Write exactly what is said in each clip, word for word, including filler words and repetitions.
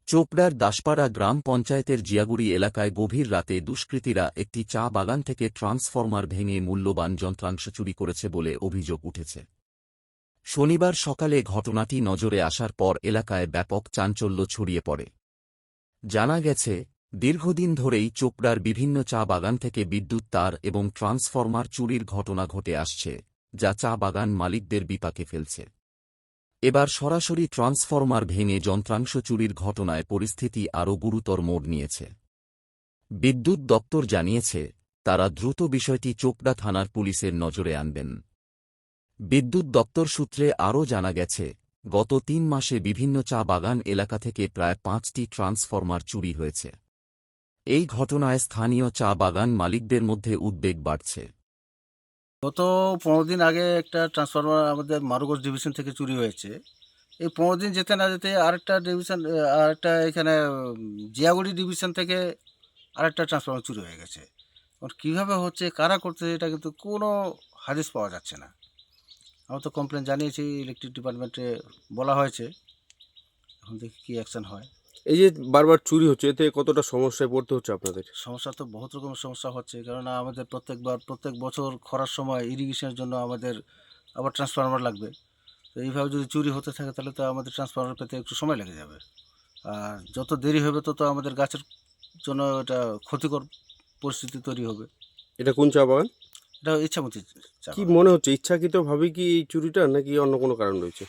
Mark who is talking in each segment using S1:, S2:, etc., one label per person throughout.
S1: চোপড়ার দাসপাড়া গ্রাম পঞ্চায়েতের জিয়াগুড়ি এলাকায় গভীর রাতে দুষ্কৃতীরা একটি চা বাগান থেকে ট্রান্সফরমার ভেঙে মূল্যবান যন্ত্রাংশ চুরি করেছে বলে অভিযোগ উঠেছে। শনিবার সকালে ঘটনাটি নজরে আসার পর এলাকায় ব্যাপক চাঞ্চল্য ছড়িয়ে পড়ে। জানা গেছে, দীর্ঘদিন ধরেই চোপড়ার বিভিন্ন চা বাগান থেকে বিদ্যুৎ তার এবং ট্রান্সফরমার চুরির ঘটনা ঘটে আসছে, যা চা বাগান মালিকদের বিপাকে ফেলছে। এবার সরাসরি ট্রান্সফরমার ভেঙে যন্ত্রাংশ চুরির ঘটনায় পরিস্থিতি আরও গুরুতর মোড় নিয়েছে। বিদ্যুৎ দপ্তর জানিয়েছে, তারা দ্রুত বিষয়টি চোপড়া থানার পুলিশের নজরে আনবেন। বিদ্যুৎ দপ্তর সূত্রে আরও জানা গেছে, গত তিন মাসে বিভিন্ন চা বাগান এলাকা থেকে প্রায় পাঁচটি ট্রান্সফরমার চুরি হয়েছে। এই ঘটনায় স্থানীয় চা বাগান মালিকদের মধ্যে উদ্বেগ বাড়ছে।
S2: গত পনেরো দিন আগে একটা ট্রান্সফরমার আমাদের মারুগঞ্জ ডিভিশন থেকে চুরি হয়েছে। এই পনেরো দিন যেতে না যেতে আরেকটা ডিভিশন আরেকটা এখানে জিয়াগুড়ি ডিভিশন থেকে আরেকটা ট্রান্সফরমার চুরি হয়ে গেছে। এখন কীভাবে হচ্ছে, কারা করছে, এটা কিন্তু কোনো হাদিস পাওয়া যাচ্ছে না। আমরা তো কমপ্লেন জানিয়েছি, ইলেকট্রিক ডিপার্টমেন্টে বলা হয়েছে, এখন দেখি কী অ্যাকশন হয়।
S3: এই যে বারবার চুরি হচ্ছে, এতে কতটা সমস্যায় পড়তে হচ্ছে আপনাদের?
S2: সমস্যা তো বহুত রকমের সমস্যা হচ্ছে, কেননা আমাদের প্রত্যেকবার প্রত্যেক বছর খরার সময় ইরিগেশনের জন্য আমাদের আবার ট্রান্সফরমার লাগবে। তো এইভাবে যদি চুরি হতে থাকে তাহলে তো আমাদের ট্রান্সফরমার পেতে একটু সময় লেগে যাবে, আর যত দেরি হবে তত আমাদের গাছের জন্য এটা ক্ষতিকর পরিস্থিতি তৈরি হবে।
S3: এটা কোন চা বাগান?
S2: এটা ইচ্ছামতি চা
S3: কি
S2: বাগান।
S3: মনে হচ্ছে, ইচ্ছাকৃতভাবে কি এই চুরিটা, নাকি অন্য কোনো কারণ রয়েছে?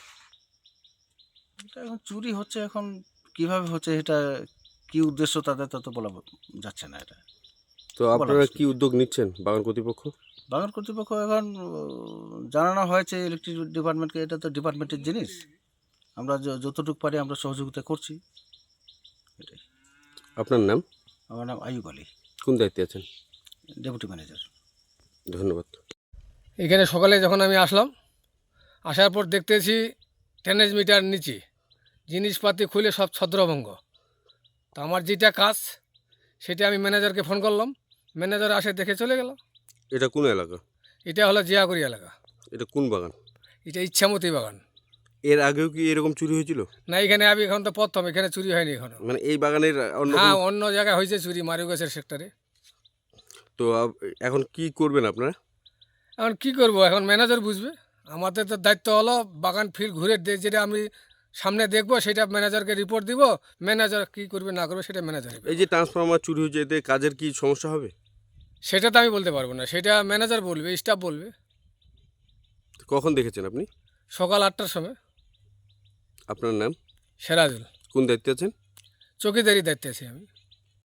S2: এটা এখন চুরি হচ্ছে, এখন কিভাবে হচ্ছে, এটা কি উদ্দেশ্য তাদের তত বলা যাচ্ছে না। এটা
S3: তো
S2: বলা
S3: আপনারা কি
S2: মুশকিল।
S3: উদ্যোগ নিচ্ছেন বাগান কর্তৃপক্ষ?
S2: বাগান কর্তৃপক্ষ এখন উম, জানানো হয়েছে ইলেকট্রিক ডিপার্টমেন্টকে, এটা তো ডিপার্টমেন্টের জিনিস, আমরা য- যতটুকু পারি আমরা সহযোগিতা করছি। এটাই।
S3: আপনার নাম?
S2: আমার নাম আইয়ুব আলী,
S3: কোন দায়িত্বে আছেন?
S2: Deputy manager.
S3: ধন্যবাদ।
S4: এখানে সকালে যখন আমি আসলাম, আসার পর দেখতেছি টেনেজ মিটার নিচে জিনিসপাতি খুলে সব ছত্রভঙ্গ। তো আমার যেটা কাজ সেটা আমি ম্যানেজারকে ফোন করলাম, ম্যানেজার আসে দেখে চলে গেল।
S3: এটা কোন এলাকা?
S4: এটা হলো জিয়াগুড়ি এলাকা,
S3: এটা কোন বাগান?
S4: এটা ইচ্ছামতি বাগান।
S3: এর আগেও কি এরকম চুরি হয়েছিল?
S4: না, এখানে আমি এখন তো প্রথম, এখানে চুরি হয়নি এখনো।
S3: মানে এই বাগানের অন্য
S4: হ্যাঁ,
S3: কোনো-
S4: অন্য জায়গায় হয়েছে চুরি, মারুগাছের সেক্টরে।
S3: তো আপ- এখন কি করবেন আপনারা?
S4: এখন কি করব, এখন ম্যানেজার বুঝবে। আমাদের তো দায়িত্ব হলো বাগান ফিল্ড ঘুরে দে- যেটা আমি সামনে দেখবো সেটা ম্যানেজারকে রিপোর্ট দিব। ম্যানেজার কি করবে না করবে সেটা ম্যানেজার।
S3: এই যে ট্রান্সফরমার চুরি হয়েছে, এতে কাজের কি সমস্যা হবে?
S4: সেটা তো আমি বলতে পারবো না, সেটা ম্যানেজার বলবে, স্টাফ বলবে।
S3: কখন দেখেছেন আপনি?
S4: সকাল আটটার সময়।
S3: আপনার নাম?
S4: সেরাজুল।
S3: কোন দায়িত্বে আছেন?
S4: চৌকিদারি দায়িত্বে আছি আমি।